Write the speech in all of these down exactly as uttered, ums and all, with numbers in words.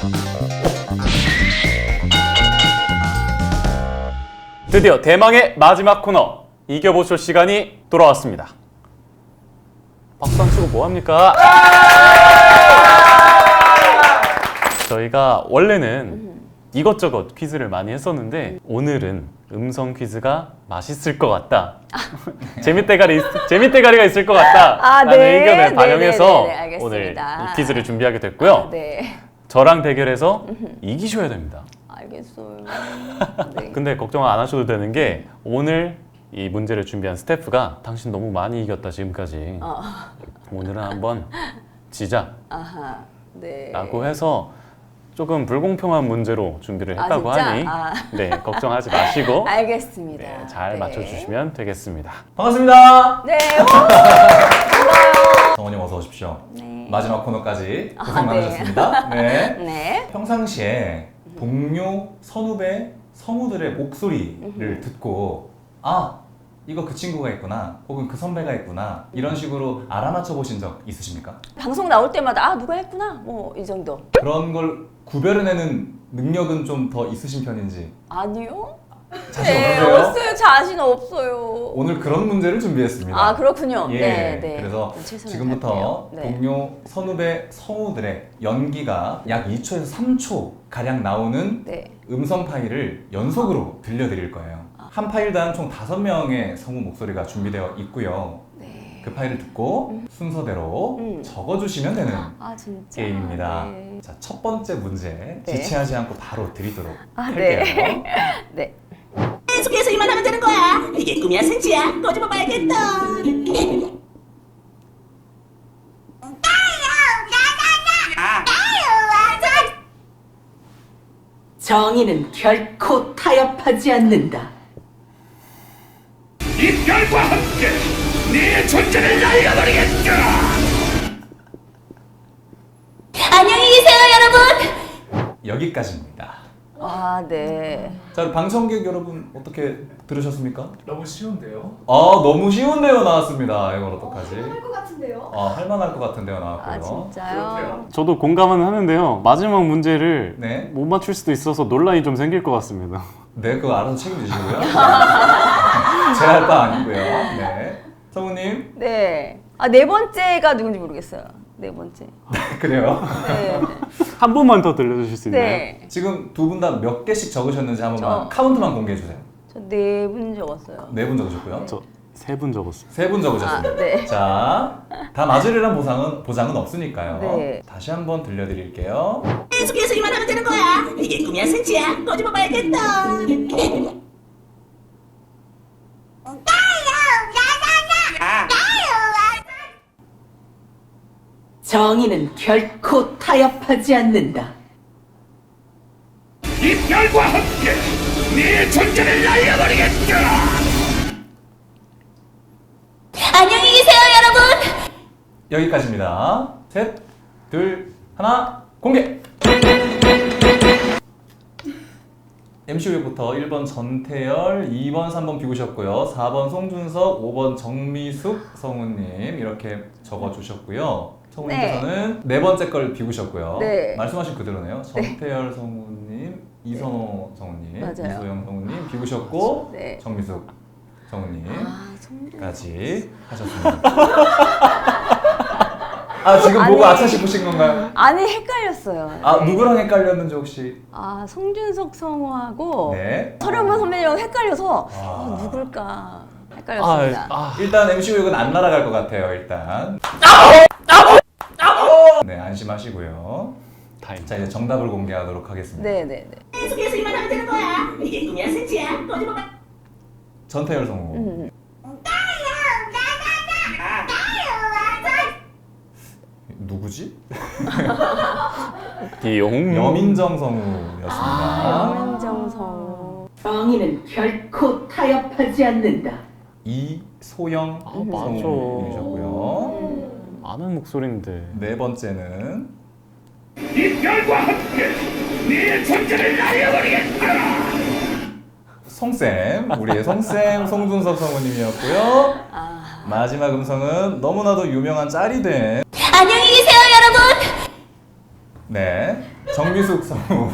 드디어 대망의 마지막 코너 이겨보쇼 시간이 돌아왔습니다. 박수 안 치고 뭐합니까? 저희가 원래는 이것저것 퀴즈를 많이 했었는데 오늘은 음성 퀴즈가 맛있을 것 같다. 재밌대가리, 재밌대가리가 있을 것 같다. 아, 라는 네. 의견을 반영해서 네, 네, 네, 네, 오늘 알겠습니다. 이 퀴즈를 준비하게 됐고요. 아, 네. 저랑 대결해서 이기셔야 됩니다. 알겠어요. 네. 근데 걱정 안 하셔도 되는 게 오늘 이 문제를 준비한 스태프가 당신 너무 많이 이겼다 지금까지. 어. 오늘은 한번 지자 아하. 네. 라고 해서 조금 불공평한 문제로 준비를 아, 했다고 진짜? 하니 아. 네, 걱정하지 마시고 알겠습니다. 네, 잘 네. 맞춰주시면 되겠습니다. 반갑습니다. 네. 오! 반가워요. 성원님 어서 오십시오. 네. 마지막 코너까지 고생 아, 많으셨습니다. 네. 네. 평상시에 동료, 선후배, 성우들의 목소리를 듣고 아, 이거 그 친구가 있구나 혹은 그 선배가 있구나 이런 식으로 알아맞혀 보신 적 있으십니까? 방송 나올 때마다 아 누가 했구나 뭐 이 정도. 그런 걸 구별해내는 능력은 좀 더 있으신 편인지 아니요. 자신 네, 없으세요? 없어요. 자신 없어요. 오늘 그런 문제를 준비했습니다. 아 그렇군요. 예, 네, 네. 그래서 최선을 지금부터 다할게요. 네. 동료, 선후배, 성우들의 연기가 약 이 초에서 삼 초 가량 나오는 네. 음성 파일을 연속으로 들려드릴 거예요. 한 파일당 총 다섯 명의 성우 목소리가 준비되어 있고요. 네. 그 파일을 듣고 순서대로 음. 적어주시면 되는 아 진짜. 게임입니다. 네. 자, 첫 번째 문제 네. 지체하지 않고 바로 드리도록 아, 할게요. 네. 네. 계속해서 이만 하면 되는 거야. 이게 꿈이야 생치야. 꼬집어 봐야겠다. 정의는 결코 타협하지 않는다. 이 별과 함께 네 존재를 날려버리겠다. 안녕히 계세요, 여러분. 여기까지입니다. 아 네. 자, 방청객 여러분 어떻게 들으셨습니까? 너무 쉬운데요? 아, 너무 쉬운데요 나왔습니다. 이걸 어떡하지? 할 것 같은데요? 아, 할만할 것 같은데요 나왔고요. 아 진짜요? 저도 공감은 하는데요. 마지막 문제를 네. 못 맞출 수도 있어서 논란이 좀 생길 것 같습니다. 네, 그거 알아서 책임지시고요. 제 할 바 아니고요. 네. 성우님. 네. 아 네 번째가 누군지 모르겠어요. 네 번째. 그래요. 네. 한 번만 더 들려주실 수 있나요? 네. 지금 두 분 다 몇 개씩 적으셨는지 한 번만 저- 카운트만 공개해 주세요. 저 네 분 적었어요. 네 분 적으셨고요. 저 세 분 적었어요. 세 분 적으셨습니다. 아, 네. 자, 다 맞으리란 보상은 보장은 없으니까요. 네. 다시 한번 들려드릴게요. 계속해서 이만 하면 되는 거야. 이게 꿈이야 생치야. 꼬집어 봐야겠다. 정의는 결코 타협하지 않는다. 이 별과 함께 네 존재를 날려버리겠다. 안녕히 계세요, 여러분. 여기까지입니다. 셋, 둘, 하나, 공개! 엠씨유부터 일 번 전태열, 이 번, 삼 번 비우셨고요. 사 번 송준석, 오 번 정미숙 성우님 이렇게 적어주셨고요. 성우님께서는 네. 번째 걸 비우셨고요. 네. 말씀하신 그대로네요. 전태열 성우님, 이선호 성우님, 맞아요. 이소영 성우님 비우셨고 네. 정미숙 성우님 아 성준. 까지 하셨습니다. 아, 지금 보고 아니. 아차 싶으신 건가요? 아니 헷갈렸어요. 아, 네. 누구랑 헷갈렸는지 혹시? 아 송준석 성우하고 네. 서른번 선배님하고 헷갈려서 아. 어, 누굴까 헷갈렸습니다. 아, 일단 엠씨유는 안 날아갈 것 같아요, 일단. 네, 안심하시고요. 다행. 자, 이제 정답을 공개하도록 하겠습니다. 네네네. 계속해서 이만 하면 되는 거야. 이게 꿈이야 생치야. 꼬집어 봐. 전태열 성우. 음. 누구지? 기용. 여민정 성우였습니다. 아 여민정 성우. 정의는 결코 타협하지 않는다. 이소영 아, 맞아. 성우님이셨고요. 아는 목소리인데. 네 번째는 이 별과 함께 네 존재를 날려버리겠다. 송쌤, 우리의 송쌤 송준석 성우님이었고요. 아 마지막 음성은 너무나도 유명한 짤이 된 안녕히 계세요, 여러분. 네, 정미숙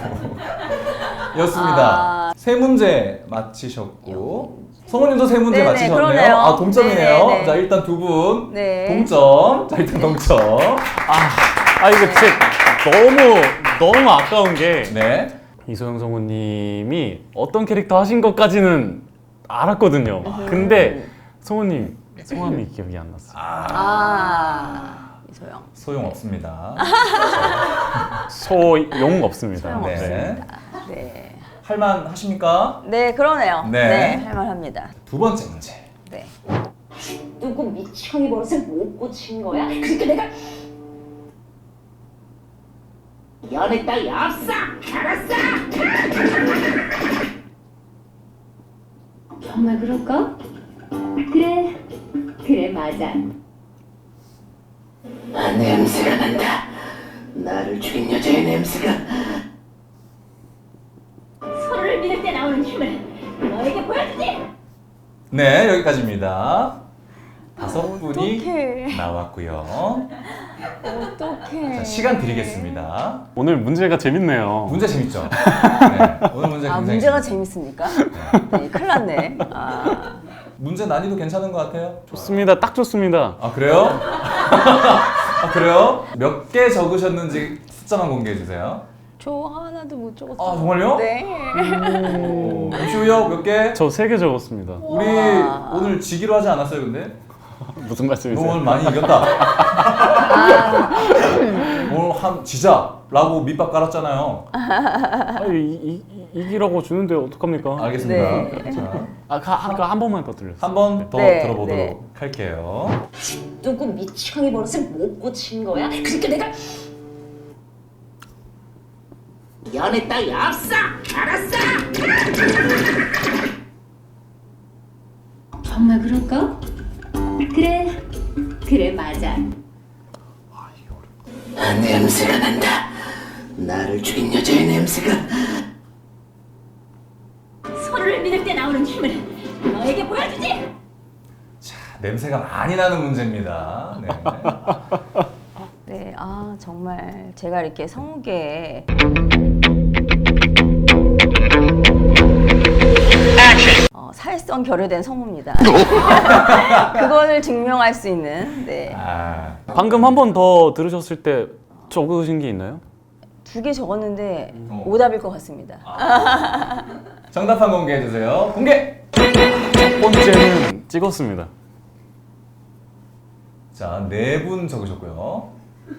성우였습니다. 아. 세 문제 맞히셨고 성우님도 세 문제 네네, 맞히셨네요. 그러네요. 아 동점이네요. 네네네. 자 일단 두 분 네. 동점. 자 일단 동점. 아 이거 진짜 너무 너무 아까운 게 네. 이소영 성우님이 어떤 캐릭터 하신 것까지는 알았거든요. 근데 성우님 성함이 기억이 안 났어요. 아, 이소영. 소용 없습니다. 소용 없습니다. 소용 네. 없습니다. 네. 할만 하십니까? 네, 그러네요. 네. 네, 할만합니다. 두 번째 문제. 네. 누구 미치광이 버릇을 못 고친 거야? 그러니까 내가 연애 따위 없어! 알았어! 정말 그럴까? 그래, 그래 맞아. 아, 냄새가 난다. 나를 죽인 여자의 냄새가. 서로를 믿을 때 나오는 힘을 너에게 보여주지. 네 여기까지입니다. 다섯 분이 어떡해. 나왔고요. 어떡해. 자, 시간 드리겠습니다. 오늘 문제가 재밌네요. 문제 재밌죠? 네, 오늘 문제 아, 굉장히 문제가 재밌습니다. 재밌습니까? 네, 큰일 났네. 아, 문제 난이도 괜찮은 것 같아요? 좋습니다. 딱 좋습니다. 아 그래요? 아 그래요? 몇 개 적으셨는지 숫자만 공개해 주세요. 저 하나도 못 적었어요. 아 정말요? 네. 오, 엠씨우요 몇 개? 저 세 개 적었습니다. 우리 우와. 오늘 지기로 하지 않았어요 근데? 무슨 너 말씀이세요? 오늘 많이 이겼다. 오늘 한 지자라고 밑밥 깔았잖아요. 아, 이, 이, 이, 이기라고 주는데 어떡합니까? 알겠습니다. 네. 자, 아, 가, 아까 한 번만 더 들렸어요. 한 번 더 네, 들어보도록 네. 할게요. 누구 미치광이 버릇을 못 고친 거야? 그러니까 내가 연애 따위 없어! 알았어! 정말 그럴까? 그래, 그래 맞아. 아, 냄새가 난다. 나를 죽인 여자의 냄새가. 서로를 믿을 때 나오는 힘을 너에게 보여주지. 자, 냄새가 많이 나는 문제입니다. 네. 네, 아, 정말 제가 이렇게 성우계에 어, 사회성 결여된 성우입니다. 그걸 증명할 수 있는 네. 아, 방금 한 번 더 들으셨을 때 적으신 게 있나요? 두 개 적었는데 어. 오답일 것 같습니다. 정답 한 공개해 주세요. 공개. 첫 번째는 찍었습니다. 자, 네 분 적으셨고요.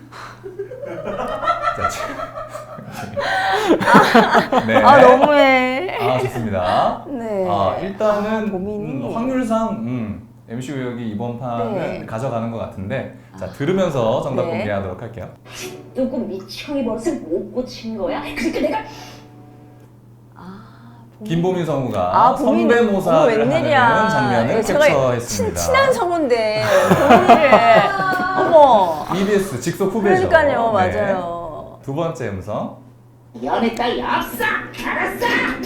자, 지- 네. 아, 너무해. 아, 좋습니다. 네. 아, 일단은 고민이. 음, 확률상 음, 엠씨 우혁이 이번 판은 네. 가져가는 것 같은데 자, 들으면서 정답 네. 공개하도록 할게요. 누구 미치광이 버릇을 못 고친 거야? 그러니까 내가 김보민 성우가 아, 보민- 어머, 성대모사를 웬일이야. 하는 장면을 예, 제가 캡처했습니다. 친, 친한 성우인데 보민이를 어머. 이비에스 직속 후배죠. 그러니까요, 네. 맞아요. 두 번째 음성. 연애 따위 없어! 알았어!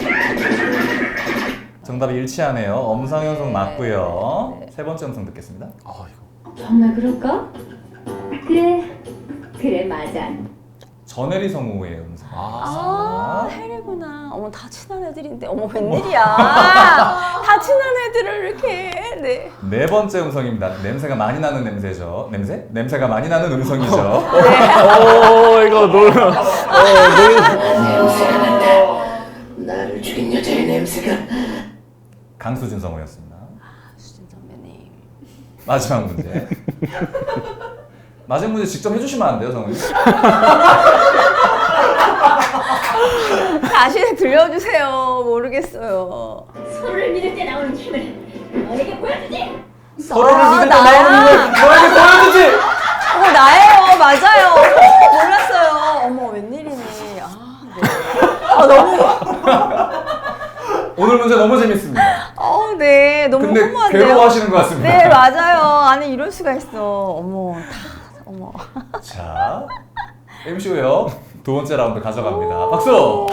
정답이 일치하네요. 엄상현 성 맞고요. 네. 세 번째 음성 듣겠습니다. 아, 이거. 정말 그럴까? 그래, 그래 맞아. 전혜리 성우의 음성. 아, 해리구나. 어머, 다 친한 애들인데. 어머, 웬일이야. 다 친한 애들을 이렇게. 네. 네 번째 음성입니다. 냄새가 많이 나는 냄새죠. 냄새? 냄새가 많이 나는 음성이죠. 오, 이거 놀. 어, 놀. 냄새가 난다. 나를 죽인 여자의 냄새가. 강수진 성우였습니다. 수진 선배님. 마지막 문제. 마지막 문제 직접 해주시면 안 돼요, 성우님? 다시 들려주세요. 모르겠어요. 서로를 믿을 때 나오는 힘을 너에게 보여주지. 서로를 아, 믿을 때 나야. 나오는 걸 너에게 보여주지! 어, 나예요. 맞아요. 몰랐어요. 어머, 웬일이니. 아, 네. 아, 너무. 오늘 문제 너무 재밌습니다. 어, 네. 너무 근데 허무한데요. 괴로워하시는 것 같습니다. 네, 맞아요. 아니, 이럴 수가 있어. 어머, 다, 어머. 자, 엠씨 우혁 두 번째 라운드 가져갑니다. 박수!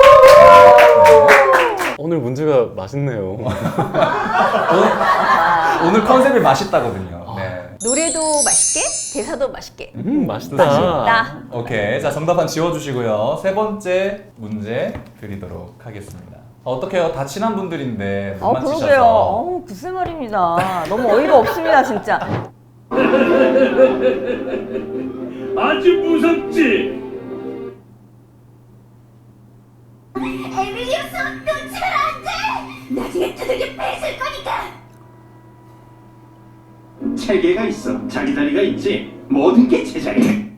오늘 문제가 맛있네요. 오늘, 오늘 컨셉이 맛있다거든요. 네. 노래도 맛있게, 대사도 맛있게. 음, 맛있다. 맛있다. 오케이. 자, 정답 한 지워주시고요. 세 번째 문제 드리도록 하겠습니다. 어떡해요? 다 친한 분들인데 못 어, 맞히셔서. 그러게요. 어, 글쎄 말입니다. 너무 어이가 없습니다, 진짜. 아주 무섭지. 에밀리우스 놓치면 안 돼! 나중에 두들겨 뺏을 거니까! 체계가 있어. 자기 자리가 있지. 모든 게 제자리.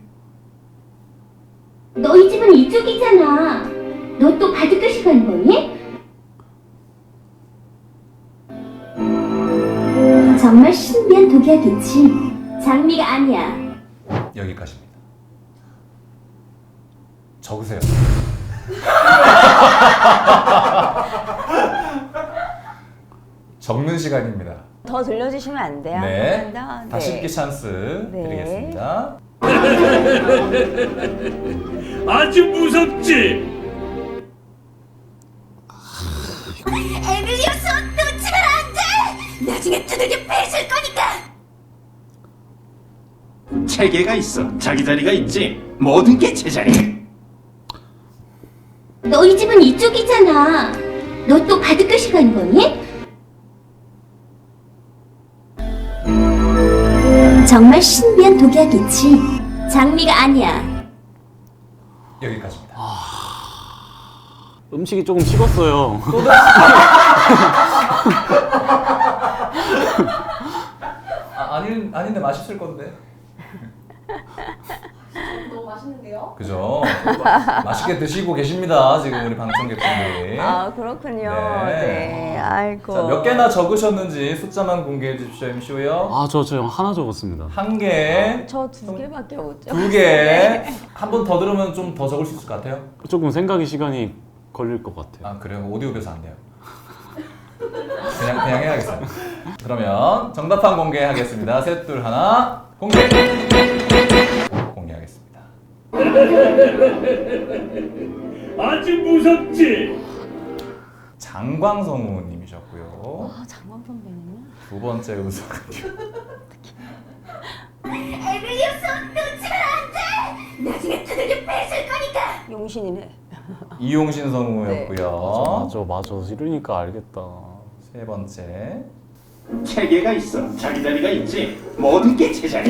너희 집은 이쪽이잖아. 너 또 바둑교실 가는 거니? 정말 신비한 독약이지. 장미가 아니야. 여기까지입니다. 적으세요. 적는 시간입니다. 더 들려주시면 안 돼요? 네. 감사합니다. 다시 네. 읽기 찬스 네. 드리겠습니다. 아주 무섭지. 에밀리우스 놓치면 안 돼! 나중에 두들겨 뺏을 거니까! 체계가 있어. 자기 자리가 있지. 모든 게 제자리. 너희 집은 이쪽이잖아. 너 또 바둑교실 가는 거니? 정말 신비한 독약이지. 장미가 아니야. 여기까지입니다. 음식이 조금 식었어요. 아, 아닌, 아닌데 맛있을 건데. 너무 맛있는데요? 그죠? 맛있게 드시고 계십니다. 지금 우리 방청객분들이. 아, 그렇군요. 네. 네. 아이고. 자, 몇 개나 적으셨는지 숫자만 공개해 주십시오, 엠씨오요. 아, 저 저 하나 적었습니다. 한 개, 저 두 개밖에 못 줘. 두 개. 한 번 더 들으면 좀 더 적을 수 있을 것 같아요. 조금 생각이 시간이 걸릴 것 같아요. 아, 그래요? 오디오 교사 안 돼요. 그냥, 그냥 해야겠어요. 그러면 정답판 공개하겠습니다. 셋, 둘, 하나. 공개! 공개하겠습니다. 아주 무섭지. 장광성우님이셨고요. 아, 장광 선배님요? 두 번째 음성. 에밀리우스 놓치면 안 돼! 나중에 두들겨 뺏을 거니까! 용신이네. 이용신 성우였고요. 맞아, 맞아. 이러니까 알겠다. 세 번째. 체계가 있어. 자기 자리가 있지. 모든 게 제자리.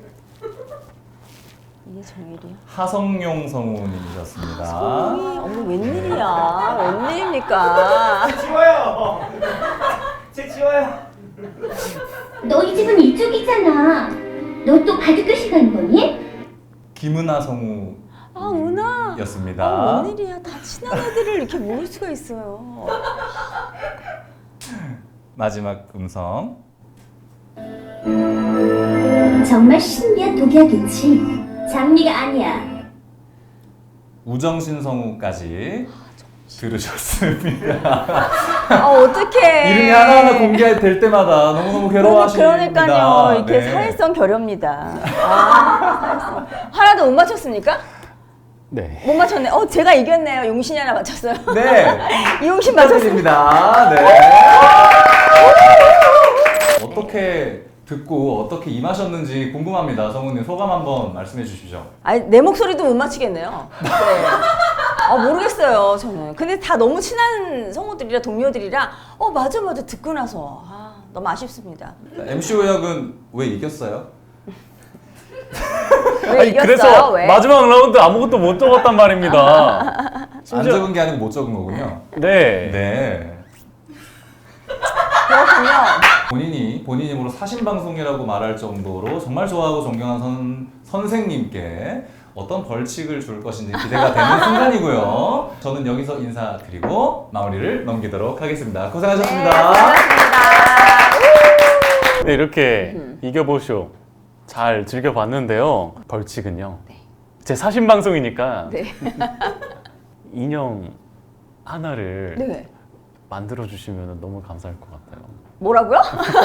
이게 정일이야? 하성용 성우님이셨습니다. 어머, 어머, 웬일이야? 웬일입니까? 지워요. 제 지워요. 너희 집은 이쪽이잖아. 너 또 바둑교실 가는 거니? 김은하 성우. 아, 은하. 였습니다. 아, 웬일이야? 다 친한 애들을 이렇게 모를 수가 있어요. 마지막 음성. 정말 신비한 독약이지. 장미가 아니야. 우정신 성우까지 들으셨습니다. 아, 어떡해. 이름이 하나하나 공개될 때마다 너무너무 괴로워하십니다. 그러니까요. 이렇게 네. 사회성 결여입니다. 아, 사회성. 하나도 못 맞췄습니까? 네. 못 맞췄네. 어, 제가 이겼네요. 용신이 하나 맞췄어요. 네. 이용신 맞췄습니다. 축하드립니다. 네. 어떻게 듣고 어떻게 임하셨는지 궁금합니다. 성우님 소감 한번 말씀해 주시죠. 아니, 내 목소리도 못 맞히겠네요. 네. 아, 모르겠어요, 저는. 근데 다 너무 친한 성우들이라 동료들이라 어, 맞아, 맞아. 듣고 나서. 아, 너무 아쉽습니다. 엠씨 오역은 왜 이겼어요? 왜 이겼어요? 그래서 왜? 마지막 라운드 아무것도 못 적었단 말입니다. 안 심지어- 적은 게 아니고 못 적은 거군요. 네. 네. 그렇군요. 본인이 본인 힘으로 사신방송이라고 말할 정도로 정말 좋아하고 존경하는 선, 선생님께 어떤 벌칙을 줄 것인지 기대가 되는 순간이고요. 저는 여기서 인사드리고 마무리를 넘기도록 하겠습니다. 고생하셨습니다. 고맙습니다. 네, 이렇게 이겨보쇼 잘 즐겨봤는데요. 벌칙은요. 제 사신 방송이니까 네. 인형 하나를 네. 만들어 주시면 너무 감사할 것 같아요. 뭐라고요?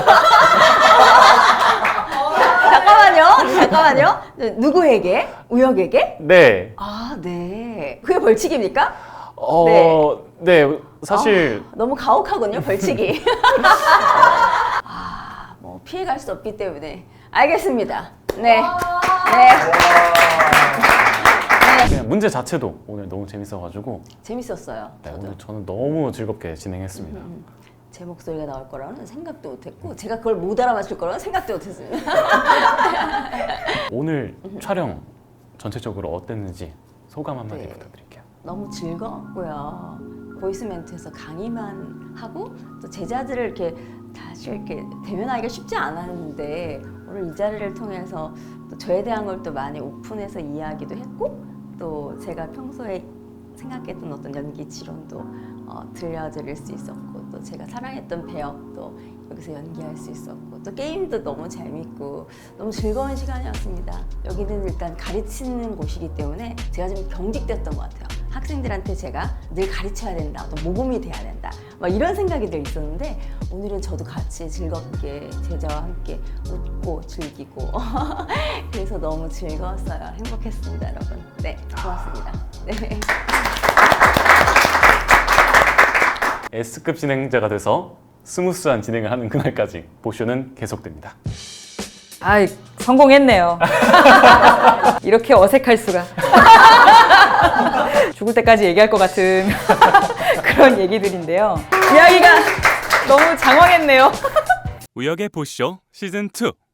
잠깐만요. 잠깐만요. 누구에게? 우혁에게? 네. 아, 네. 그게 벌칙입니까? 어, 네. 네. 사실 아, 너무 가혹하군요, 벌칙이. 아, 뭐 피해갈 수 없기 때문에. 알겠습니다. 네. 네. 그냥 문제 자체도 오늘 너무 재밌어가지고 재밌었어요. 네, 저도. 오늘 저는 너무 즐겁게 진행했습니다. 음, 제 목소리가 나올 거라는 생각도 못했고 제가 그걸 못 알아맞힐 거라는 생각도 못했습니다. 오늘 촬영 전체적으로 어땠는지 소감 한마디 네. 부탁드릴게요. 너무 즐거웠고요. 보이스 멘트에서 강의만 하고 또 제자들을 이렇게 다시 이렇게 대면하기가 쉽지 않았는데 오늘 이 자리를 통해서 또 저에 대한 걸 또 많이 오픈해서 이야기도 했고 또 제가 평소에 생각했던 어떤 연기 지론도 어, 들려드릴 수 있었고 또 제가 사랑했던 배역도 여기서 연기할 수 있었고 또 게임도 너무 재밌고 너무 즐거운 시간이었습니다. 여기는 일단 가르치는 곳이기 때문에 제가 좀 경직됐던 것 같아요. 학생들한테 제가 늘 가르쳐야 된다, 또 모범이 돼야 된다, 막 이런 생각이 늘 있었는데 오늘은 저도 같이 즐겁게 제자와 함께 웃고 즐기고 그래서 너무 즐거웠어요. 행복했습니다, 여러분. 네, 고맙습니다. 네. S급 진행자가 돼서 스무스한 진행을 하는 그날까지 보쇼는 계속됩니다. 아이, 성공했네요. 이렇게 어색할 수가. 죽을 때까지 얘기할 것 같은 그런 얘기들인데요. 이야기가 너무 장황했네요. 우역의 보쇼 시즌 투